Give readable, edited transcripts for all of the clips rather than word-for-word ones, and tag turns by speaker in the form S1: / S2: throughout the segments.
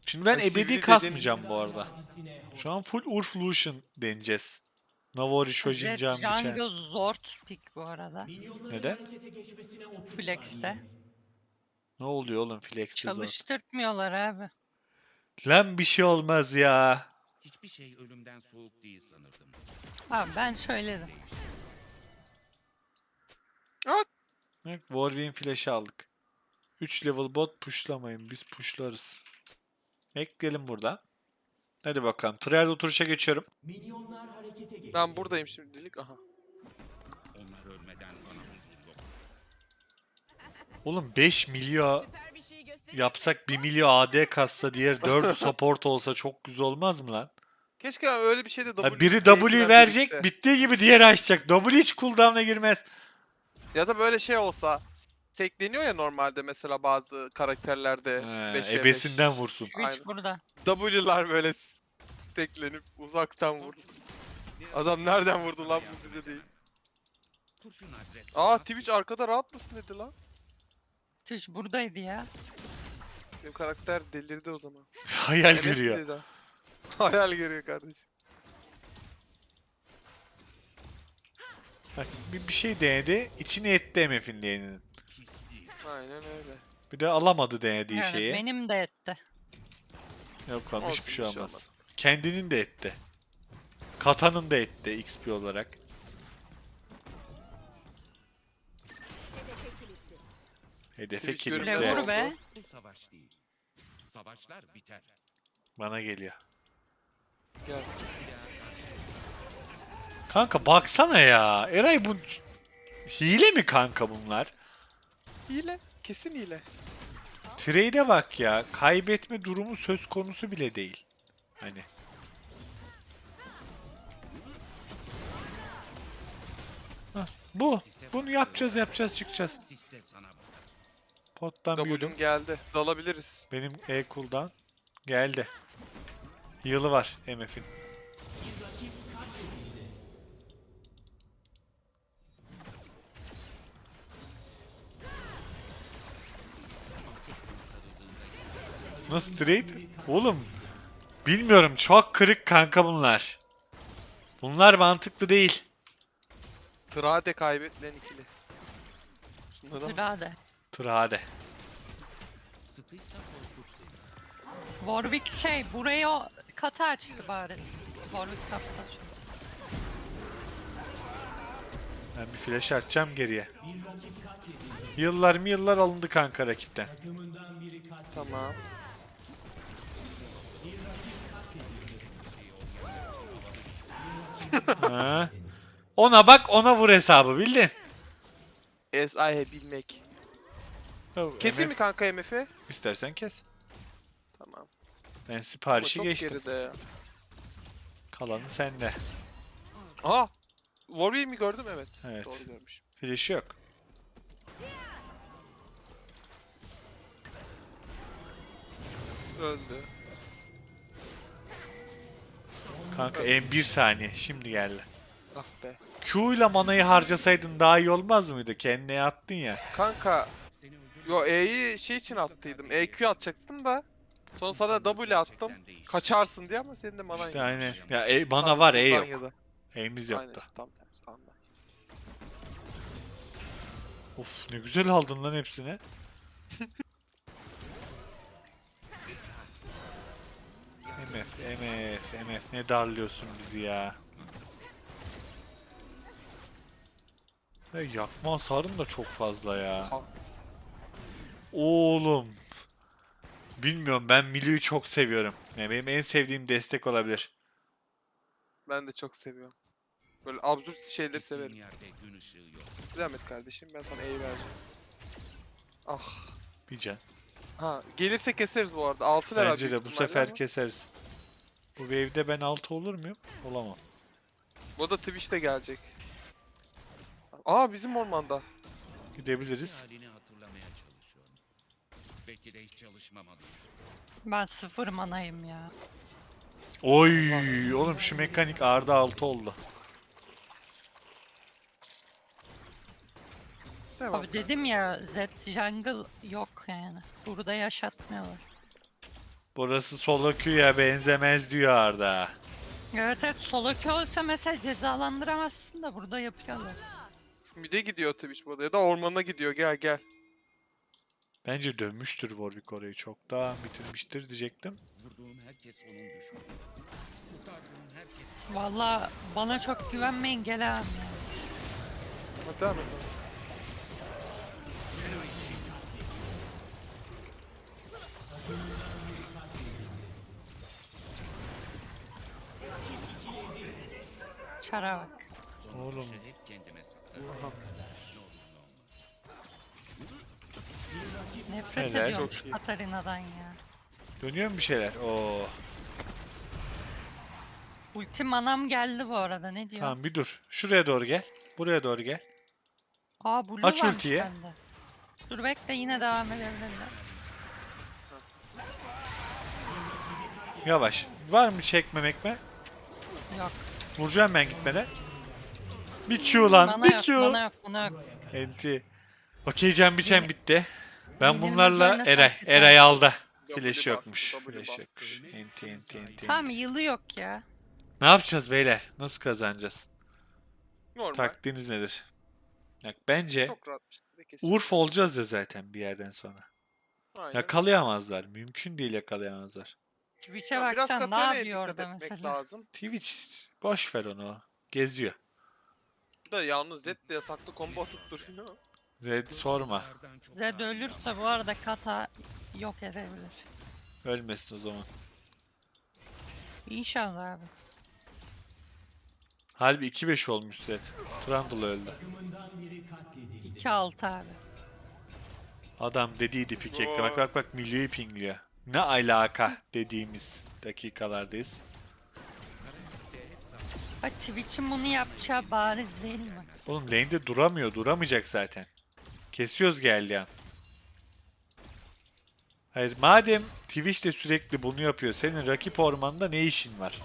S1: Şimdi ben
S2: Hani
S1: ebedi
S2: sivri
S1: kasmayacağım bu arada. Şu an full Urf Lucian deneyeceğiz. Navori, Shojin,
S3: Jet
S1: Canbiçen.
S3: Jungle Zord pick bu arada.
S1: Neden?
S3: Flex'te.
S1: Ne oluyor oğlum Flex'te zor.
S3: Çalıştırtmıyorlar abi.
S1: Lan bir şey olmaz ya.
S4: Hiçbir şey ölümden soğuk değil sanırdım.
S3: Abi ben söyledim.
S2: At.
S1: Bak Warwick'in flash'ı aldık. 3 level bot pushlamayın. Biz pushlarız. Ekleyelim burada. Hadi bakalım. Trial oturuşa geçiyorum.
S2: Ben buradayım şimdilik. Aha.
S4: Onlar ölmeden bana huzur yok.
S1: Oğlum 5 milyon yapsak 1 milyon AD kassa diğer 4 support olsa çok güzel olmaz mı lan?
S2: Keşke öyle bir şey de
S1: Ha,
S2: W
S1: biri
S2: diye
S1: W
S2: eklen
S1: verecek,
S2: birikse.
S1: bittiği gibi diğeri açacak. W hiç cooldown'a girmez.
S2: Ya da böyle şey olsa. Tekleniyor ya normalde mesela bazı karakterlerde
S1: Ha,
S2: 5v5.
S1: ebesinden vursun.
S3: Twitch
S2: Aynen.
S3: burada.
S2: W'lar böyle teklenip uzaktan vurdu. Adam nereden vurdu lan bu bize değil.
S4: Kurşun adres.
S2: Aa Twitch arkada rahat mısın dedi lan.
S3: Twitch buradaydı ya.
S2: Benim karakter delirdi o zaman.
S1: Hayal
S2: Evet
S1: görüyor.
S2: dedi ha. Hayal görüyor kardeşim.
S1: Bak bir şey denedi. İçine etti MF'in diyenin.
S4: Pisliği.
S2: Aynen öyle.
S1: Bir de alamadı denediği
S3: Evet,
S1: şeyi.
S3: benim de etti.
S1: Yok oğlum
S2: Olsun,
S1: hiçbir şey
S2: bir şey
S1: olmaz.
S2: olmaz.
S1: Kendinin de etti. Katanın da etti XP olarak. Hedefe
S2: Twitch
S1: kilitle.
S2: görünmez
S3: Vur
S2: oldu.
S3: be.
S4: Bu savaş değil. Savaşlar biter.
S1: Bana geliyor.
S2: Gelsin.
S1: Kanka baksana ya. Eray bu hile mi kanka bunlar?
S2: Hile. Kesin hile.
S1: Trade'e bak ya. Kaybetme durumu söz konusu bile değil. Hani. Hah, bu. Bunu yapacağız çıkacağız.
S4: Siste sana bak.
S1: Pottan bir yudum.
S2: W'm geldi. Dalabiliriz.
S1: Benim E-Cool'dan geldi. Yılı var MF'in. Nasıl trade? Oğlum bilmiyorum çok kırık kanka bunlar. Bunlar mantıklı değil.
S2: Trade kaybedilen ikili. Şunlara bak.
S3: Sırada.
S1: Trade.
S4: Sıkıysa korkut beni.
S3: Warwick şey burayı o katı açtı bari. Warwick kapıda şu.
S1: Ben bir flash atacağım geriye. Yıllar alındı kanka rakipten.
S2: Tamam.
S1: Ha. Ona bak ona vur hesabı bildin.
S2: SIH bilmek. Keseyim mi kanka MF'i?
S1: İstersen kes.
S2: Tamam.
S1: Ben
S2: Ama
S1: siparişi
S2: çok
S1: geçtim.
S2: geride ya.
S1: Kalanı sende.
S2: Aha! Warwick'i mi gördüm? Evet.
S1: Evet.
S2: Doğru görmüşüm.
S1: Flash yok.
S2: Öldü.
S1: Kanka en bir saniye şimdi geldi.
S2: Ah be.
S1: Q ile manayı harcasaydın daha iyi olmaz mıydı? Kendine attın ya.
S2: Kanka.
S4: Seni öldürmek
S2: Yo E'yi şey için attıydım. EQ atacaktım da. Sonra sana W attım.
S4: gerçekten değişti.
S2: Kaçarsın diye ama senin de manan
S1: İşte
S2: yok.
S1: aynen. Ya mana var E yok.
S2: Uzanya'da.
S1: E'miz
S2: Aynen
S1: yoktu.
S2: işte tam tersi. Anla.
S1: Of ne güzel aldın lan hepsini. MF ne darlıyorsun bizi ya. Ve yakma hasarın da çok fazla ya.
S2: Ha.
S1: Oğlum. Bilmiyorum ben Milu'yu çok seviyorum. Yani benim en sevdiğim destek olabilir.
S2: Ben de çok seviyorum. Böyle absürt şeyleri
S4: Gittiğin
S2: severim.
S4: yerde gün ışığı yok.
S2: Zahmet kardeşim ben sana E'yi vereceğim. Ah.
S1: Bir can.
S2: Ha gelirse keseriz bu arada. 6 level
S1: Bence
S2: büyük
S1: de bu
S2: ihtimalle
S1: sefer
S2: ama.
S1: keseriz. Bu wave'de ben 6 olur muyum? Olamam.
S2: Bu da Twitch'te gelecek. Aa bizim ormanda.
S1: Gidebiliriz.
S4: Halini hatırlamaya çalışıyorum. Belki de hiç çalışmamalıyım.
S3: Ben 0 manayım ya.
S1: Oy, oğlum şu mekanik Arda 6 oldu.
S2: Devam.
S3: Abi dedim ya Z Jungle yok yani. Burada yaşatmıyorlar.
S1: Burası solo queue'ya benzemez diyor Arda.
S3: Evet evet, solo queue olsa mesela cezalandıramazsın da burada yapıyorlar.
S2: Mide gidiyor Twitch bu arada ya da ormana gidiyor, gel gel.
S1: Bence dönmüştür Warwick orayı. Çoktan bitirmiştir diyecektim.
S4: Vurduğum herkes onun düşmanı. Kurtardığım herkes
S3: Valla bana çok güvenmeyin, gel abi.
S2: Hadi devam et.
S3: Çara bak.
S1: Oğlum.
S4: hep kendime saklarım. Ne olur ne olmaz.
S3: Nefret
S1: Helal,
S3: ediyorum
S2: çok
S3: şu
S2: iyi.
S3: Katarina'dan ya.
S1: Dönüyor mu bir şeyler? Oo.
S3: Ulti manam geldi bu arada, ne diyor?
S1: Tamam bir dur. Şuraya doğru gel. Buraya doğru gel.
S3: Aa blue
S1: Aç
S3: varmış
S1: ultiyi.
S3: bende. Dur bekle, yine devam edebilirler.
S1: Yavaş. Var mı çekmemek mi?
S3: Yok.
S1: Vuracağım ben gitmeden. Bir Q lan.
S3: Bana
S1: Bir
S3: yok,
S1: Q.
S3: bana yok, bana yok.
S1: Enti. Okey can biçen bitti. Ben
S3: Yenilmez
S1: bunlarla
S3: oynasak
S1: Eray.
S3: güzel.
S1: Eray aldı.
S2: W
S1: Flash
S2: bastı,
S1: yokmuş.
S2: W
S1: Flash
S2: bastı.
S1: yokmuş. Enti.
S3: Tamam, yılı yok ya.
S1: Ne yapacağız beyler? Nasıl kazanacağız?
S2: Normal.
S1: Taktiğiniz nedir? Bak bence
S2: Çok rahat bir şekilde kesin.
S1: Urf olacağız ya zaten bir yerden sonra.
S2: Aynen.
S1: Yakalayamazlar. Mümkün değil yakalayamazlar.
S3: Twitch'e
S2: Ya biraz
S3: baksan ne
S2: Katarina'ya
S3: yapıyor
S2: dikkat
S3: orada
S2: etmek
S3: mesela?
S2: lazım.
S1: Twitch boş ver onu. Geziyor.
S2: Da yalnız Zed de yasaklı combo atıp duruyor.
S1: Zed sorma.
S4: Kurtlardan çok
S3: Zed
S4: daha iyi
S3: ölürse bu arada Kata yok edebilir.
S1: Ölmesin o zaman.
S3: İnşallah abi.
S1: Halbuki 2-5 olmuş Zed. Trundle öldü.
S3: 2-6 abi.
S1: Adam dediydi pikekle. Bak Milyo'yu pingliyor. Ne alaka dediğimiz dakikalardayız.
S3: Bak Twitch'in bunu yapacağı bariz değil mi?
S1: Oğlum lane'de duramıyor. Duramayacak zaten. Kesiyoruz geldi an. Hayır madem Twitch de sürekli bunu yapıyor. Senin rakip ormanda ne işin var?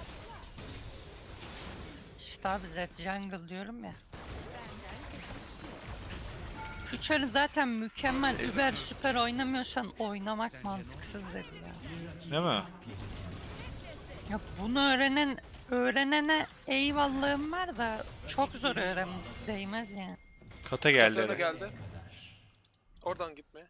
S3: İşte abi Zed jungle diyorum ya. Şu çarı zaten mükemmel, über süper oynamıyorsan oynamak mantıksız dedi ya.
S1: Değil mi?
S3: Ya bunu öğrenene eyvallahım var da çok zor öğrenmesi, değmez yani.
S1: Kata geldi.
S2: Katarina
S1: Eren.
S2: geldi. Oradan gitmeye.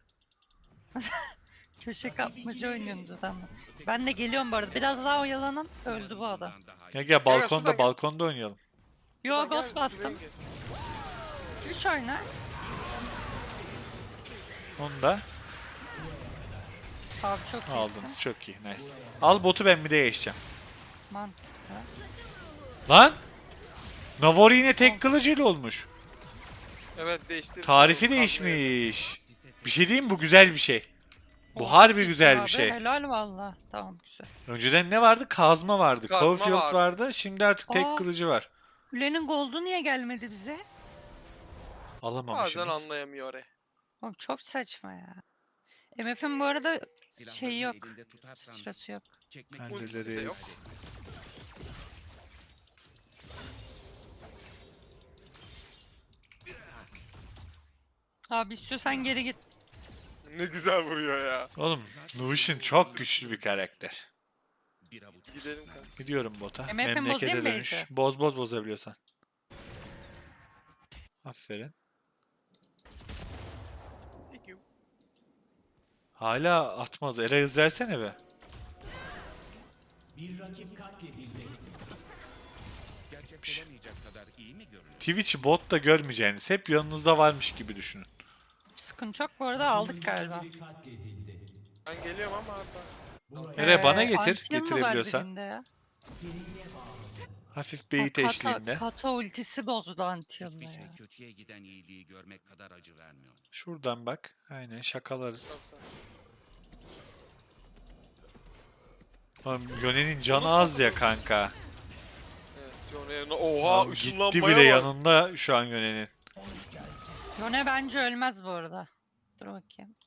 S3: Köşe kapmaca oynuyorsunuz adamla. Ben de geliyorum bu arada. Biraz daha oyalanın. Öldü bu adam.
S1: Gel
S2: şuradan
S1: balkonda
S2: gel.
S1: balkonda oynayalım.
S3: Yo
S2: Buradan
S3: ghost
S2: gel,
S3: bastım.
S2: şuraya gel.
S3: Twitch oyna.
S1: Onu da
S3: Abi çok iyisin.
S1: aldınız. Çok iyi. Nice. Al botu ben bir de geçeceğim.
S3: Mantıklı.
S1: Lan! Navori yine tek kılıcıyla olmuş.
S2: Evet değiştirdim.
S1: Tarifi
S2: Kazmayı.
S1: değişmiş. Bir şey diyeyim mi? Bu güzel bir şey. Bu
S3: Oh,
S1: harbi
S3: iyisin
S1: güzel bir
S3: abi,
S1: şey.
S3: Helal valla. Tamam güzel.
S1: Önceden ne vardı? Kazma vardı.
S2: Kazma
S1: Caulfield
S2: vardı.
S1: vardı. Şimdi artık tek
S3: Aa.
S1: kılıcı var.
S3: Kulenin goldu niye gelmedi bize?
S1: Alamamışsınız.
S2: Bazen anlayamıyor oraya.
S3: Oğlum çok saçma ya. MF'in bu arada
S4: Silahlarını
S3: şey yok.
S4: elinde tutarsan
S3: Sıçrası yok.
S4: çekmek
S2: Ultisi de yok.
S1: Hallederiz.
S3: Abi istiyorsan geri git.
S2: Ne güzel vuruyor ya.
S1: Oğlum Lucian çok güçlü bir karakter.
S4: bir avuç
S2: Gidelim kanka.
S1: Gidiyorum bota.
S3: MF'in
S1: Memlekete
S3: bozayım mı
S1: dönüş.
S3: Beyza?
S1: Boz bozabiliyorsan. Aferin.
S2: Thank you.
S1: Hala atmadı. Era hız versene be.
S4: gerçek olamayacak kadar iyi mi görünüyor?
S1: Twitch'i botta görmeyeceğiniz. Hep yanınızda varmış gibi düşünün.
S3: Sıkıntı yok bu arada, aldık galiba.
S2: Ben geliyorum ama hatta.
S1: Era bana getir.
S3: Antium mu var
S1: Getirebiliyorsan.
S3: birinde ya?
S1: Hafif beyit
S3: Kata,
S1: eşliğinde.
S3: kata ultisi bozdu Antium'la
S4: Hiçbir
S3: ya.
S4: şey kötüye giden iyiliği görmek kadar acı vermiyor.
S1: Şuradan bak. Aynen şakalarız.
S2: Tamam, sen.
S1: Oğlum Yone'nin canı az ya kanka.
S2: Evet. John yanına. Oha
S1: Oğlum gitti
S2: ışınlanmaya
S1: bile
S2: bak.
S1: yanında şu an Yone'nin.
S3: Yone bence ölmez bu arada. Dur bakayım.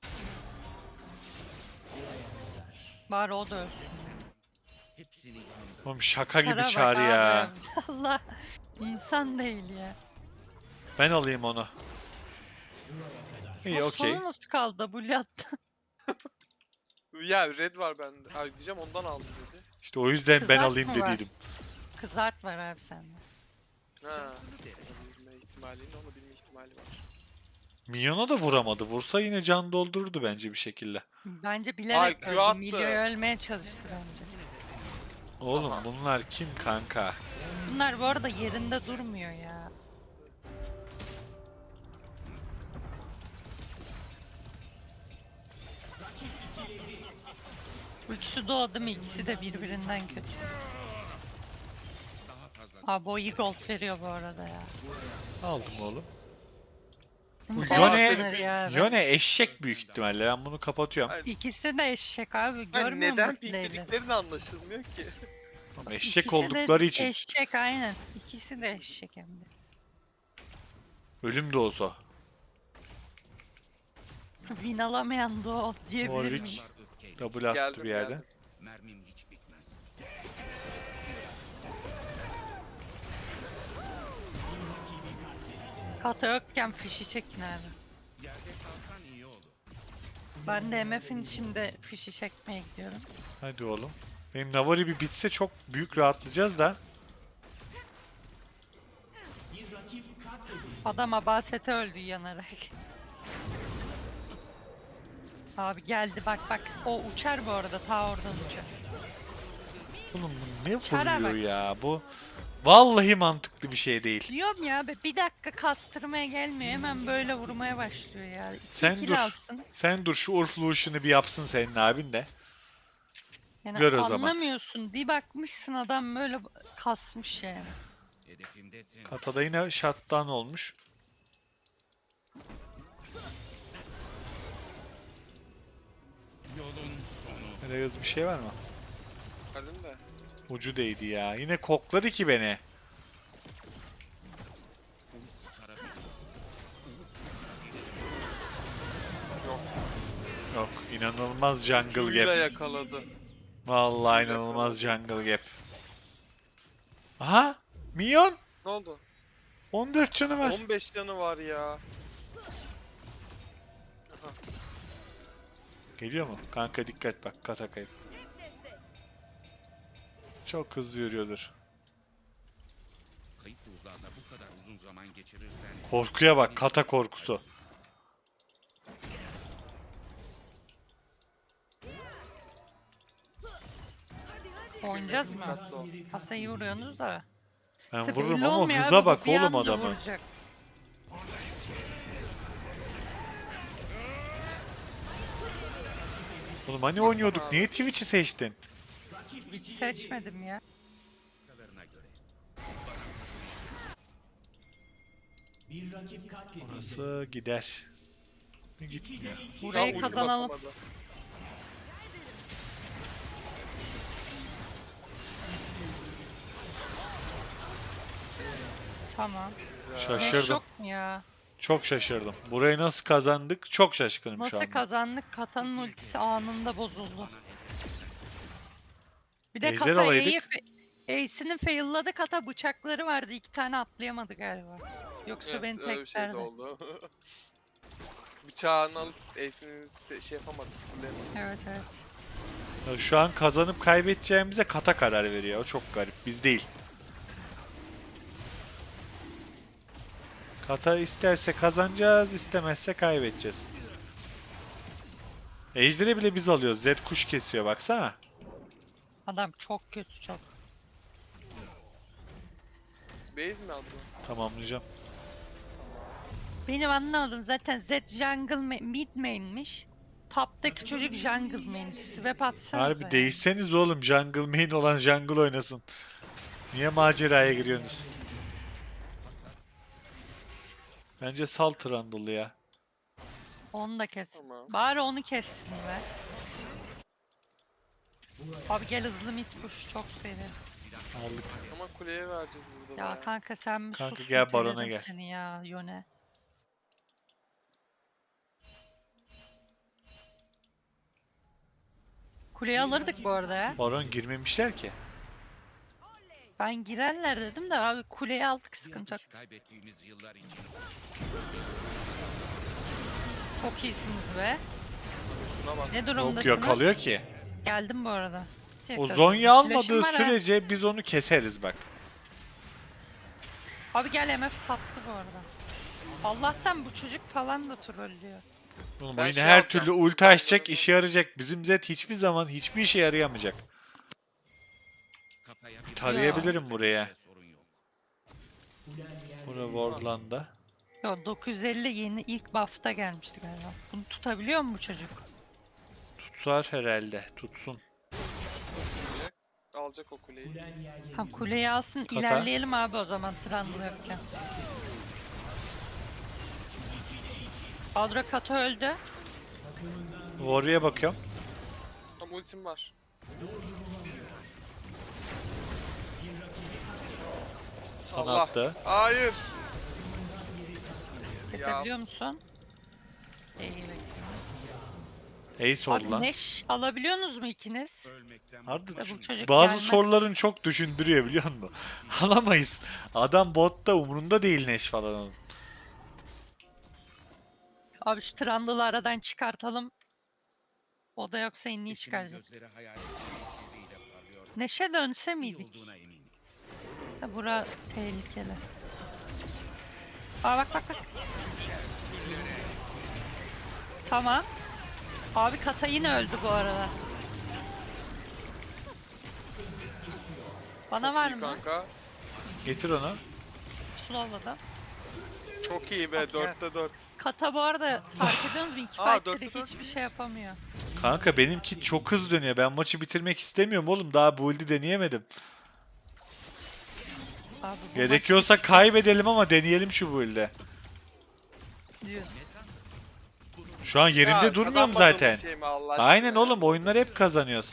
S3: Bari o da ölsün.
S4: Hepsini yanında
S1: Oğlum şaka gibi
S3: Çara bak
S1: çağrı ya.
S3: abi. Allah insan değil ya.
S1: Ben alayım onu. İyi
S3: O
S1: okey.
S3: sonu nasıl kaldı? W attı.
S2: Ya red var bende. Ay diyeceğim ondan aldım dedi.
S1: İşte o yüzden ben
S3: Kızart
S1: alayım
S3: mı var?
S1: dediydim.
S3: Kızart var abi sende.
S2: Ha. Bilme ihtimalinin onu bilme ihtimali var.
S1: Minyona da vuramadı. Vursa yine can doldururdu bence bir şekilde.
S3: Bence
S2: Ay,
S3: bilerek
S2: Q
S3: öldü.
S2: attı.
S3: Milyo'yu ölmeye çalıştı bence.
S1: Oğlum bunlar kim kanka?
S3: Bunlar bu arada yerinde durmuyor ya. Ultisi doğdu mu ikisi de birbirinden kötü.
S4: Daha fazla
S3: Abi o iyi gold veriyor bu arada ya.
S1: Aldım oğlum. Bu
S3: Nasıl
S1: Yone,
S3: denir ya?
S1: Yone eşek büyük ihtimalle. Ben bunu kapatıyorum.
S2: Ay,
S3: İkisi de eşek abi.
S2: ay,
S3: Görmüyor
S2: neden
S3: musun playleri?
S2: piklediklerini anlaşılmıyor ki.
S1: Oğlum eşek
S3: İkisi de
S1: oldukları için.
S3: Eşek aynen. İkisi de eşek hem de.
S1: Ölüm de olsa.
S3: Win alamayan da o diyebilir
S1: Warwick.
S3: miyim?
S4: var öfkeyle.
S1: Double attı
S2: Geldim,
S1: bir yerden.
S2: geldim.
S4: Mermim hiç bitmez.
S3: Kata yokken fişi çekin abi.
S4: Yerde kalsan iyi olur.
S3: Ben de MF'in şimdi fişi çekmeye gidiyorum.
S1: Hadi oğlum. Benim Navari bir bitse çok büyük rahatlayacağız da.
S3: Adam Abasete öldü yanarak. Abi geldi bak bak. O uçar bu arada. Ta oradan uçar.
S1: Oğlum bu ne
S3: Çara
S1: vuruyor
S3: bak.
S1: ya bu? Vallahi mantıklı bir şey değil.
S3: Diyorum ya be, bir dakika kastırmaya gelmiyor. Hemen böyle vurmaya başlıyor ya.
S1: Sen
S3: İki
S1: dur.
S3: alsın.
S1: Sen dur şu Urflu işini bir yapsın senin abin de.
S3: Yani
S1: Gör o zaman.
S3: anlamıyorsun. Bir bakmışsın adam böyle kasmış yani.
S4: Hedefimdesin.
S1: Katada yine shutdown olmuş.
S4: Yolun sonu.
S1: Nereye bir şey var mı?
S2: Geldim de.
S1: Ucu değdi ya. Yine kokladı ki beni.
S2: Yok.
S1: Yok inanılmaz jungle
S2: Q'yla
S1: gap.
S2: yakaladı.
S1: Vallahi inanılmaz jungle gap. Aha! Minyon!
S2: Ne oldu?
S1: 14 canı var.
S2: 15 canı var ya. Aha.
S1: Geliyor mu? Kanka dikkat bak kata kayıp. Çok hızlı yürüyordur.
S4: Kayıp ruhlarla bu kadar uzun zaman geçirirsen...
S1: Korkuya bak kata korkusu.
S3: Oynayacağız mı?
S2: Dikkatli ol.
S3: Kasayı vuruyorsunuz da.
S1: Ben
S3: İşte
S1: vururum
S3: belli
S1: ama
S3: olmuyor
S1: hıza
S3: abi,
S1: bak
S3: bir
S1: oğlum
S3: anda
S1: adamı.
S3: vuracak.
S1: Oğlum hani oynuyorduk? Niye Twitch'i seçtin?
S3: Hiç seçmedim ya.
S4: Kalarına göre.
S1: Orası gider. Gitmiyor.
S2: Ya
S3: Burayı
S2: ulti
S3: kazanalım.
S2: basamadı.
S3: Tamam.
S2: Güzel.
S1: Şaşırdım.
S3: Şok mu ya?
S1: Çok şaşırdım. Burayı nasıl kazandık? Çok şaşkınım şu
S3: Nasıl
S1: anda.
S3: kazandık? Kata'nın ultisi anında bozuldu. Bir de
S1: Ejder
S3: Kata
S1: alaydık.
S3: Ace'ini failladı. Kata bıçakları vardı. 2 tane atlayamadı galiba. Yoksa
S2: Evet,
S3: beni
S2: öyle bir şey de
S3: teklerdi.
S2: oldu. Bıçağını alıp Ace'ini şey yapamadı, sıfırlayamadı.
S3: Evet evet.
S1: Ya şu an kazanıp kaybedeceğimize kata karar veriyor. O çok garip. Biz değil. Kata isterse kazanacağız, istemezse kaybedeceğiz. Ejder'i bile biz alıyoruz. Zed kuş kesiyor baksana.
S3: Adam çok kötü çok.
S2: Base mi aldın?
S1: Tamamlayacağım.
S3: Benim anlamadım zaten Z jungle mid main'miş. Top'taki çocuk jungle main. Swap atsanıza.
S1: Harbi
S3: yani.
S1: değişseniz oğlum. Jungle main olan jungle oynasın. Niye maceraya giriyorsunuz? Bence sal Trundle'ı ya.
S3: Onu da kes.
S2: Tamam.
S3: Bari onu kessin be. Abi gel hızlı mid push çok seri.
S1: Aldık.
S2: Ama kuleye vereceğiz burada da
S3: Ya
S2: ya.
S3: kanka sen mi
S1: Kanka
S3: sus,
S1: gel barona
S3: niteledim
S1: gel.
S3: Seni ya Yone. Kuleyi alırdık bu arada ya.
S1: Baron girmemişler ki.
S3: Ben girerler dedim de abi kuleyi aldık
S4: Bir
S3: sıkıntı yok.
S4: atış kaybettiğimiz yıllar için
S3: Çok iyisiniz be.
S2: Şuna bak.
S3: Ne
S1: Yok
S3: durumdasınız?
S1: yakalıyor ki.
S3: Geldim bu arada.
S1: O
S3: Tekrar.
S1: Zonya almadığı
S3: Flash'ım var ha.
S1: sürece biz onu keseriz bak.
S3: Abi gel MF sattı bu arada. Allah'tan bu çocuk falan da trollüyor.
S1: Oğlum
S2: Ben
S1: oyunu
S2: şey
S1: her
S2: alacağım.
S1: türlü ulti açacak, işe yarayacak. Bizim Zed hiçbir zaman hiçbir işe yarayamayacak.
S4: Kafaya bir
S1: Tarayabilirim buraya.
S4: sorun yok.
S1: Bura Wardland'da.
S3: Yo 950 yeni ilk buff'ta gelmişti galiba. Bunu tutabiliyor mu bu çocuk?
S1: Tutar herhalde. Tutsun.
S2: Alacak o kuleyi.
S3: Tam kuleyi alsın
S1: Kata.
S3: ilerleyelim abi o zaman Trundle yokken. Adra Kata öldü.
S1: Warrior'a bakıyorum.
S2: Tam ultim var.
S1: Sana
S2: Allah.
S1: attı.
S2: Hayır.
S3: Kesebiliyor musun? İyi.
S1: Ace oldu
S3: Abi
S1: lan.
S3: Neş alabiliyorsunuz mu ikiniz?
S4: Ölmekten
S1: Harbi
S3: Ya bu çocuk
S1: bazı
S3: gelmez.
S1: soruların çok düşündürüyor biliyor musun? Alamayız. Adam botta umurunda değil Neş falan onun.
S3: Abi şu Trundle'ı aradan çıkartalım. O da yoksa inni
S4: eşinin
S3: çıkaracak.
S4: gözleri hayal ettiğiyle parlıyor.
S3: Neşe dönse
S4: İyi
S3: miydik?
S4: olduğuna eminim.
S3: Ya bura tehlikeli. Aa bak bak bak. Tamam. Abi Kata yine öldü bu arada. Bana var
S2: İyi
S3: mı?
S2: kanka.
S1: Getir onu.
S3: Slowladım.
S2: Çok iyi be.
S3: Okey.
S2: 4'te 4.
S3: Kata bu arada fark ediyor musun? İki
S2: Aa,
S3: fight'te de
S2: dörtte dört
S3: hiçbir şey yapamıyor.
S1: Kanka benimki çok hız dönüyor. Ben maçı bitirmek istemiyorum oğlum. Daha build'i deneyemedim.
S3: Abi bu
S1: Gerekiyorsa
S3: maç
S1: kaybedelim ama deneyelim şu build'e.
S3: diyorsun.
S1: Şu an yerimde
S2: Ya,
S1: durmuyorum
S2: kazanmadığımız
S1: zaten.
S2: şey mi Allah aşkına
S1: Aynen
S2: ya?
S1: oğlum oyunları hep kazanıyoruz.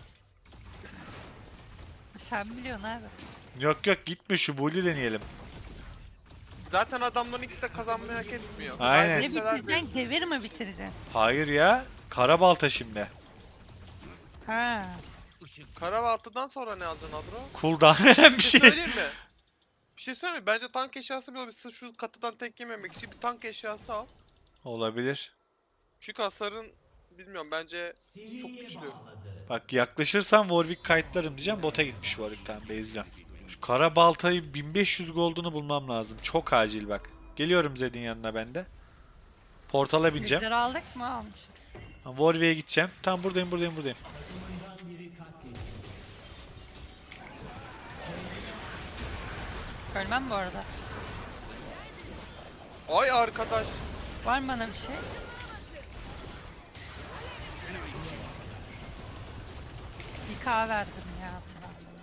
S3: Sen biliyorsun abi.
S1: Yok yok gitme şu build'i deneyelim.
S2: Zaten adamların ikisi de kazanmayı hak etmiyor.
S1: Aynen.
S3: Ne
S2: Kaybetseler de-
S3: bitireceksin? Devir mi bitireceksin?
S1: Hayır ya. Karabalta şimdi.
S3: Ha.
S2: Karabaltı'dan sonra ne alacaksın Adro?
S1: Cooldown veren bir
S2: Bir şey
S1: şey.
S2: söyleyeyim mi? Bir şey söyleyeyim mi? Bence tank eşyası bile olabilir. Sırf şu katıdan tek yememek için bir tank eşyası al.
S1: Olabilir.
S2: Çünkü hasarın bilmiyorum bence çok güçlü.
S1: Bak yaklaşırsam Warwick kayıtlarım diyeceğim. Bota gitmiş Warwick, tamam bezliyorum. Şu kara baltayı 1500 gold'unu bulmam lazım. Çok acil bak. Geliyorum Zed'in yanına ben de. Portala bineceğim.
S3: Lider aldık mı? Almışız.
S1: Warwick'e gideceğim. Tam buradayım.
S3: Ölmem bu arada.
S2: Ay arkadaş.
S3: Var mı bana bir şey? Bir kahve verdim ya Trundle'a.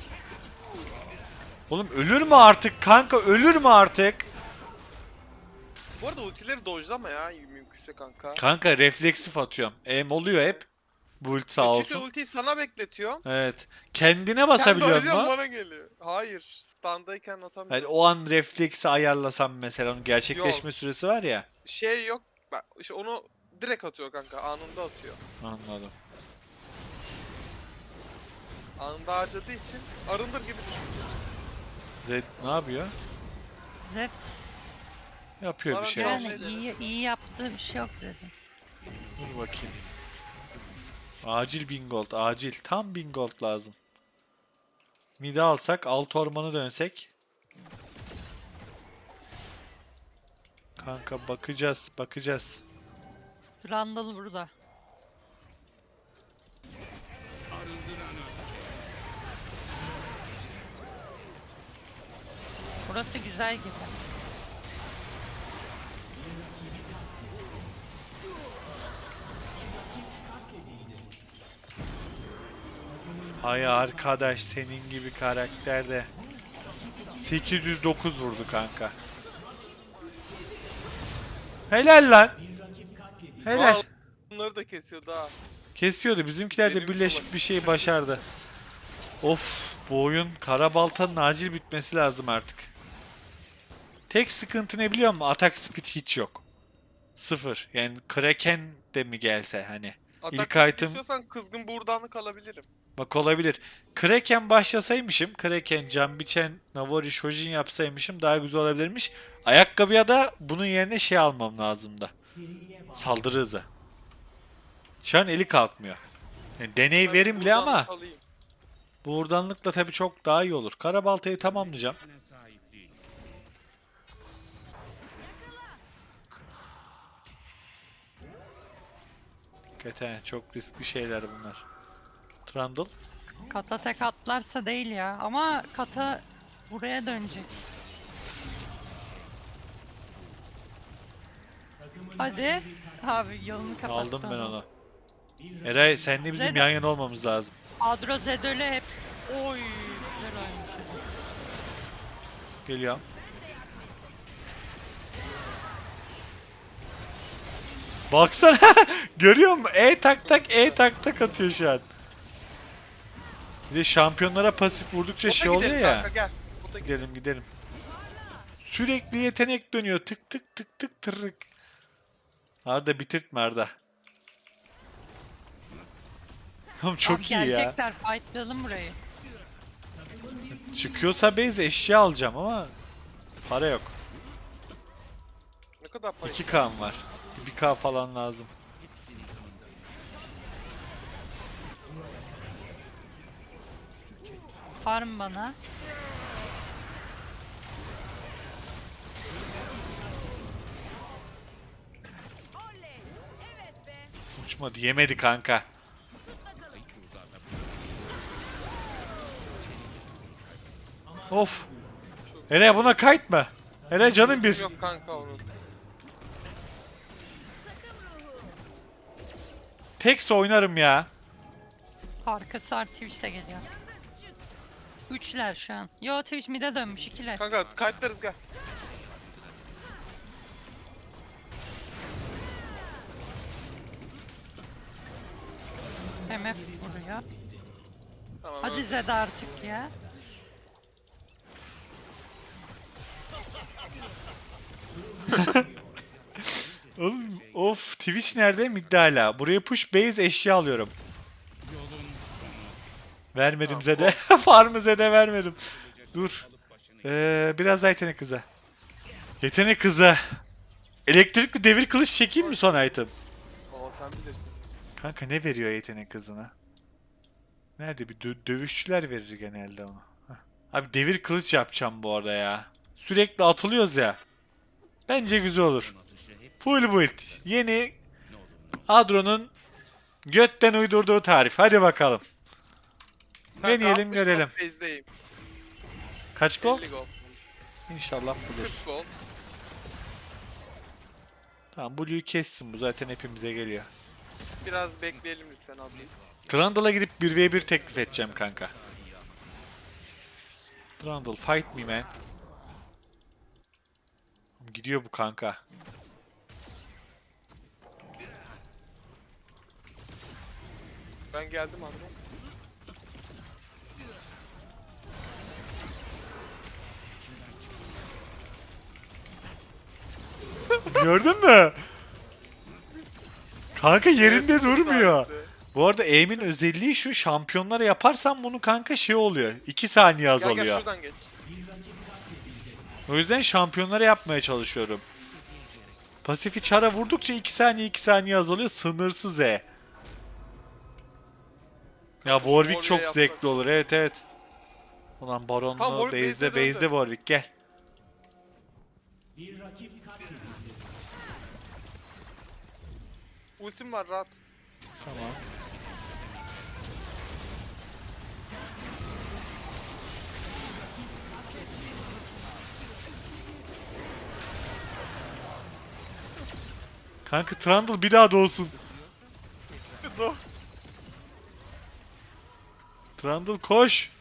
S1: Oğlum ölür mü artık kanka? Ölür mü artık?
S2: Bu arada ultileri dojlama ya mümkünse kanka.
S1: Kanka refleksif atıyorum. Oluyor hep. Bu ult sağ
S2: Çünkü
S1: olsun.
S2: ultiyi sana bekletiyor.
S1: Evet. Kendine
S2: Sen
S1: basabiliyor
S2: dojluyorsun,
S1: mu?
S2: bana geliyor. Hayır. Standayken
S1: Yani
S2: atamıyorum.
S1: o an refleksi ayarlasam mesela onun gerçekleşme süresi var ya.
S2: Şey yok. Bak işte onu direkt atıyor kanka. Anında atıyor.
S1: Anladım.
S2: Anında harcadığı için arındır gibi düşün.
S1: Zed ne yapıyor?
S3: Zed
S1: Yapıyor bir
S2: Bana
S1: şey.
S2: gel.
S3: yani iyi yaptığı bir şey yok dedim.
S1: Dur bakayım. Acil 1000 gold. Acil. Tam 1000 gold lazım. Mid'i alsak, alt ormanı dönsek. Kanka bakacağız.
S3: Randall burada. Burası güzel gibi.
S1: Hay arkadaş senin gibi karakter de 809 vurdu kanka. Helal lan. Helal.
S2: Aa, bunları da kesiyordu ha.
S1: Kesiyordu. Bizimkiler de
S2: Benim
S1: birleşip
S2: kolay.
S1: bir şey başardı. Of, bu oyun kara baltanın acil bitmesi lazım artık. Tek sıkıntı ne biliyor musun? Atak speed hiç yok. Sıfır. Yani Kraken de mi gelse hani. İlk
S2: Atak
S1: item
S2: istiyorsan kızgın buğurdanlık alabilirim.
S1: bak olabilir. Kraken başlasaymışım. Kraken, Canbiçen, Navori, Shojin yapsaymışım daha güzel olabilirmiş. Ayakkabıya da bunun yerine şey almam lazımdı. Saldırı hızı. Çar'ın eli kalkmıyor. Yani deney verimli
S2: Buradan
S1: ama
S2: alayım.
S1: buğurdanlıkla tabii çok daha iyi olur. Karabaltayı tamamlayacağım.
S4: sahip değil.
S1: Hakikaten çok riskli şeyler bunlar. Trundle.
S3: Kata tek atlarsa değil ya. Ama kata buraya dönecek. Hadi. Abi yolunu kapattı.
S1: Aldım ben
S3: adam.
S1: onu. Eray senle bizim
S3: Zed-
S1: yan yana olmamız lazım.
S3: Adro Zedöl'e hep. Oy. Güzel oynamış.
S1: Geliyorum. Baksana. Görüyor musun? E tak tak atıyor şu an. Bir de şampiyonlara pasif vurdukça
S2: Bota
S1: şey oluyor
S2: gidelim
S1: ya.
S2: kanka, gel. Bota gidelim.
S1: Gidelim gidelim. Sürekli yetenek dönüyor. Tık tık tık tık tırık. Arda bitirtme Arda. Oğlum çok
S3: Abi
S1: iyi ya.
S3: gelecekler. Fightlayalım burayı.
S1: Çıkıyorsa base eşya alacağım ama para yok.
S2: Ne kadar para?
S1: 2K'm var. 1K falan lazım.
S3: Farm bana.
S1: Uçmadı. Yemedi kanka. Of. Hele buna kayıtma. Hele canım bir.
S2: Yok kanka onun.
S1: Tekse oynarım ya.
S3: Arkası art Twitch'te geliyor. Üçler şu an. Yo Twitch mid'e dönmüş ikiler.
S2: Kanka kayıtlarız gel.
S3: MF vuruyor.
S2: Tamam.
S3: Hadi
S2: öldü.
S3: Zed artık ya.
S1: Oğlum, of Twitch nerede? Midde hala. Buraya push base eşya alıyorum. Vermedim
S2: Tamam,
S1: Zed'e. Farmı Zed'e vermedim. Dur. Biraz daha yetenek kıza. Yetenek kıza. Elektrikli devir kılıç çekeyim mi son item?
S2: Oo sen bilirsin.
S1: Kanka ne veriyor yetenek kızına? Nerede bir dövüşçüler verir genelde onu. Heh. Abi devir kılıç yapacağım bu arada ya. Sürekli atılıyoruz ya. Bence güzel olur. Full build. Yeni Adro'nun götten uydurduğu tarif. Hadi bakalım.
S2: Kanka,
S1: Deneyelim
S2: 60
S1: görelim.
S2: gold base'deyim.
S1: Kaç gol?
S2: 50 gold.
S1: İnşallah buluruz.
S2: 40 gold.
S1: Tamam Blue'yu kessin bu zaten hepimize geliyor.
S2: Biraz bekleyelim lütfen abi.
S1: Trundle'a gidip 1v1 teklif edeceğim kanka. Trundle fight me man. Gidiyor bu kanka.
S2: Ben geldim abi.
S1: Gördün mü? Kanka yerinde
S2: Evet,
S1: durmuyor.
S2: güzeldi.
S1: Bu arada aim'in özelliği şu, şampiyonlara yaparsan bunu kanka şey oluyor. 2 saniye
S2: Gel
S1: azalıyor.
S2: gel şuradan geç.
S1: O yüzden şampiyonlara yapmaya çalışıyorum. Pasifi çara vurdukça 2 saniye azalıyor. Sınırsız E. Ya Warwick çok
S2: Warwick'e
S1: zevkli
S2: yapmak.
S1: olur. Evet evet. Ulan
S2: Tam
S1: Baron'la
S2: Warwick
S1: base'de
S2: base'de döndü.
S1: Warwick gel.
S2: Ultim var rahat.
S1: Tamam. Kanka Trundle bir daha doğsun.
S2: Dur.
S1: Trundle koş.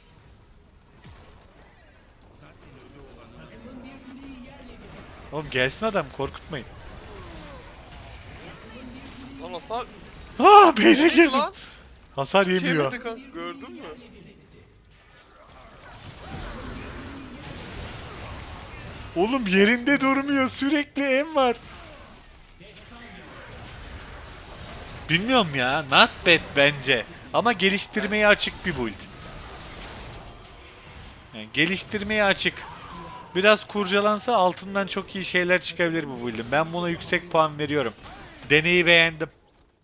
S1: Oğlum gelsin adam korkutmayın.
S2: Lan hasar.
S1: Base'e
S2: Neydi
S1: girdim.
S2: lan?
S1: Hasar yemiyor.
S2: Çevirdi kanka gördün mü?
S1: Oğlum yerinde durmuyor. Sürekli em var. Bilmiyorum ya. Not bad bence. Ama geliştirmeye açık bir build. Yani geliştirmeye açık. Biraz kurcalansa altından çok iyi şeyler çıkabilir bu build'in. Ben buna yüksek puan veriyorum. Deneyi beğendim.